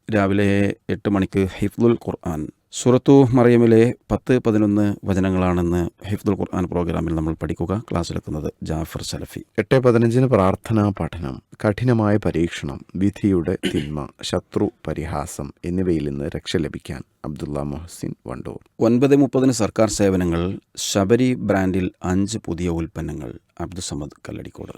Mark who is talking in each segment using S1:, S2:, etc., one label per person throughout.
S1: രാവിലെ 8 മണിക്ക് ഹിഫ്ദുൽ ഖുർആൻ. സൂറത്തു മറിയമിലെ 10-11 വചനങ്ങളാണെന്ന് ഹിഫ്ദുൽ ഖുർആൻ പ്രോഗ്രാമിൽ നമ്മൾ പഠിക്കുക. ക്ലാസ്സിലെത്തുന്നത് ജാഫർ സലഫി.
S2: 8:15 പ്രാർത്ഥനാ പഠനം. കഠിനമായ പരീക്ഷണം, വിധിയുടെ തിന്മ, ശത്രു പരിഹാസം എന്നിവയിൽ നിന്ന് രക്ഷ ലഭിക്കാൻ അബ്ദുള്ള മൊഹസിൻ വണ്ടൂർ.
S1: 9:30 സർക്കാർ സേവനങ്ങൾ. ശബരി ബ്രാൻഡിൽ 5 പുതിയ ഉൽപ്പന്നങ്ങൾ. അബ്ദുസമദ് കല്ലടിക്കോട്.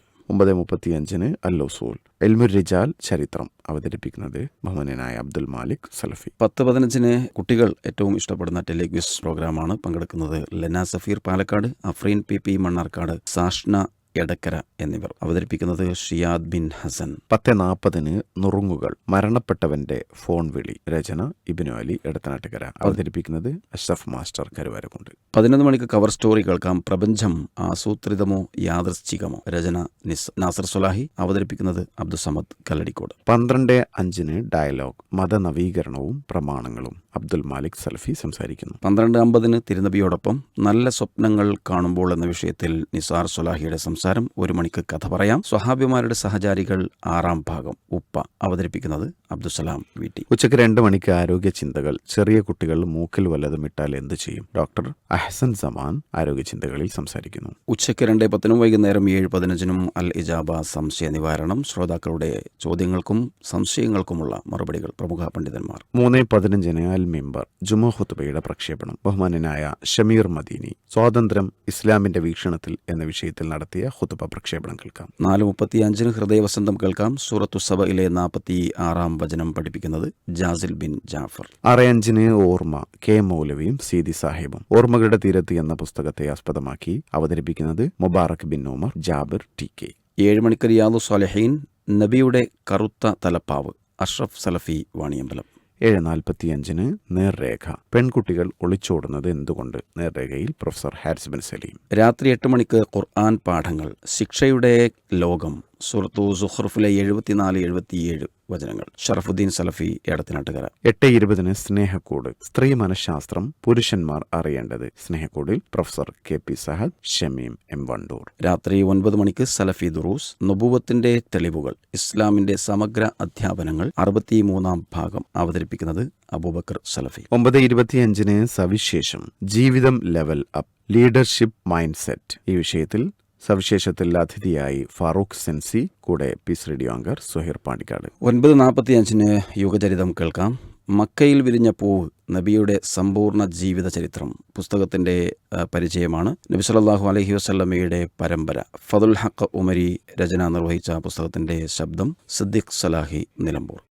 S2: 9:35 അൽ-ഉസൂൽ ഇൽമുർ റിജാൽ ചരിത്രം. അവതരിപ്പിക്കുന്നത് ബഹുമാന്യനായ അബ്ദുൽ മാലിക് സലഫി.
S1: 10:15 കുട്ടികൾ ഏറ്റവും ഇഷ്ടപ്പെടുന്ന ടെലിക്വിസ് പ്രോഗ്രാമാണ്. പങ്കെടുക്കുന്നത് ലെന സഫീർ പാലക്കാട്, അഫ്രീൻ പി മണ്ണാർക്കാട്, സാഷ്ന എടക്കര എന്നിവർ. അവതരിപ്പിക്കുന്നത് ഷിയാദ് ബിൻ ഹസൻ.
S2: 10:40 നുറുങ്ങുകൾ. മരണപ്പെട്ടവന്റെ ഫോൺ വിളി. രചന ഇബ്നു അലി എടത്തനാട്ടുകര. അവതരിപ്പിക്കുന്നത് അഷ്റഫ് മാസ്റ്റർ കരുവാരക്കുണ്ട്.
S1: 11 മണിക്ക് കവർ സ്റ്റോറി കേൾക്കാം. പ്രപഞ്ചം ആസൂത്രിതമോ യാദൃശ്ചികമോ. രചന നാസർ സുലാഹി. അവതരിപ്പിക്കുന്നത് അബ്ദുസമദ് കല്ലടിക്കോട്.
S2: 12:05 ഡയലോഗ്. മതനവീകരണവും പ്രമാണങ്ങളും. അബ്ദുൽ മാലിക് സലഫി സംസാരിക്കുന്നു.
S1: 12:50 തിരുനബിയോടൊപ്പം നല്ല സ്വപ്നങ്ങൾ കാണുമ്പോൾ എന്ന വിഷയത്തിൽ നിസാർ സുലാഹിയുടെ സംസാരം. 1 മണിക്ക് കഥ പറയാം. സ്വഹാബിമാരുടെ സഹചാരികൾ 6ാം ഭാഗം. ഉപ്പ. അവതരിപ്പിക്കുന്നത് അബ്ദുസലാം വീട്ടി.
S2: ഉച്ചയ്ക്ക് 2 മണിക്ക് ആരോഗ്യ ചിന്തകൾ. ചെറിയ കുട്ടികൾ മൂക്കിൽ വല്ലതും ഇട്ടാൽ എന്ത് ചെയ്യും? ഡോക്ടർ അഹ്സൻ സമാൻ ആരോഗ്യ ചിന്തകളിൽ സംസാരിക്കുന്നു.
S1: ഉച്ചയ്ക്ക് 2:10 വൈകുന്നേരം 7:15 അൽ ഇജാബ സംശയ നിവാരണം. ശ്രോതാക്കളുടെ ചോദ്യങ്ങൾക്കും സംശയങ്ങൾക്കുമുള്ള മറുപടികൾ. പ്രമുഖ പണ്ഡിതന്മാർ.
S2: 3:15 അൽ മിമ്പർ ജുമുഅ ഖുത്ബയുടെ പ്രക്ഷേപണം. ബഹുമാന്യനായ ഷമീർ മദീനി സ്വാതന്ത്ര്യം ഇസ്ലാമിന്റെ വീക്ഷണത്തിൽ എന്ന വിഷയത്തിൽ നടത്തിയ ഖുത്ബ പ്രക്ഷേപണം കേൾക്കാം.
S1: 4:35 ഹൃദയവസന്തം കേൾക്കാം. സൂറത്തു സബയിലെ 46ാം വചനം പഠിപ്പിക്കുന്നത് ജാസിൽ ബിൻ ജാഫർ.
S2: 6:05 ഓർമ്മ. കെ മൗലവിയും സീതി സാഹിബും. ഓർമ്മകളുടെ തീരത്ത് എന്ന പുസ്തകത്തെ ആസ്പദമാക്കി അവതരിപ്പിക്കുന്നത് മുബാറക് ബിൻ ഉമർ ജാബിർ ടി.കെ.
S1: 7 മണിക്ക് റിയാദു സ്വാലിഹീൻ. നബിയുടെ കറുത്ത തലപ്പാവ്. അഷ്റഫ് സലഫി വാണിയമ്പലം.
S2: 7:45 നേർരേഖ. പെൺകുട്ടികൾ ഒളിച്ചോടുന്നത് എന്തുകൊണ്ട്? നേർരേഖയിൽ പ്രൊഫസർ ഹാരിസ് ബിൻ സലീം.
S1: രാത്രി 8 മണിക്ക് ഖുർആൻ പാഠങ്ങൾ. ശിക്ഷയുടെ ലോകം. സൂറത്തു സുഖ്റുഫിലെ 74-77 വചനങ്ങൾ. ഷറഫുദ്ദീൻ സലഫി എടത്തനാട്ടുകര.
S2: 8:20 സ്നേഹക്കൂട്. സ്ത്രീ മനഃശാസ്ത്രം പുരുഷന്മാർ അറിയേണ്ടത്. സ്നേഹക്കൂടിൽ professor KP. Sahad, Shameem M Wandoor.
S1: രാത്രി 9 മണിക്ക് സലഫി ദുറൂസ്. നുബുവത്തിന്റെ തെളിവുകൾ. ഇസ്ലാമിന്റെ സമഗ്ര അധ്യാപനങ്ങൾ. 63ാം ഭാഗം. അവതരിപ്പിക്കുന്നത് അബൂബക്കർ സലഫി.
S2: 9:25 സവിശേഷം. ജീവിതം level up. Leadership mind set. ഈ വിഷയത്തിൽ സവിശേഷത്തിൽ അതിഥിയായി ഫാറൂഖ് സെൻസി. കൂടെ peace radio anchor Suhair Pandikkad.
S1: 9:45 യുഗചരിതം കേൾക്കാം. മക്കയിൽ വിരിഞ്ഞ പൂവ്. നബിയുടെ സമ്പൂർണ്ണ ജീവിത ചരിത്രം. പുസ്തകത്തിന്റെ പരിചയമാണ്. നബി സല്ലല്ലാഹു അലൈഹി വസല്ലമയുടെ പരമ്പര. ഫദുൽ ഹഖ് ഉമരി രചന നിർവഹിച്ച പുസ്തകത്തിന്റെ ശബ്ദം സിദ്ദിഖ് സലാഹി നിലമ്പൂർ.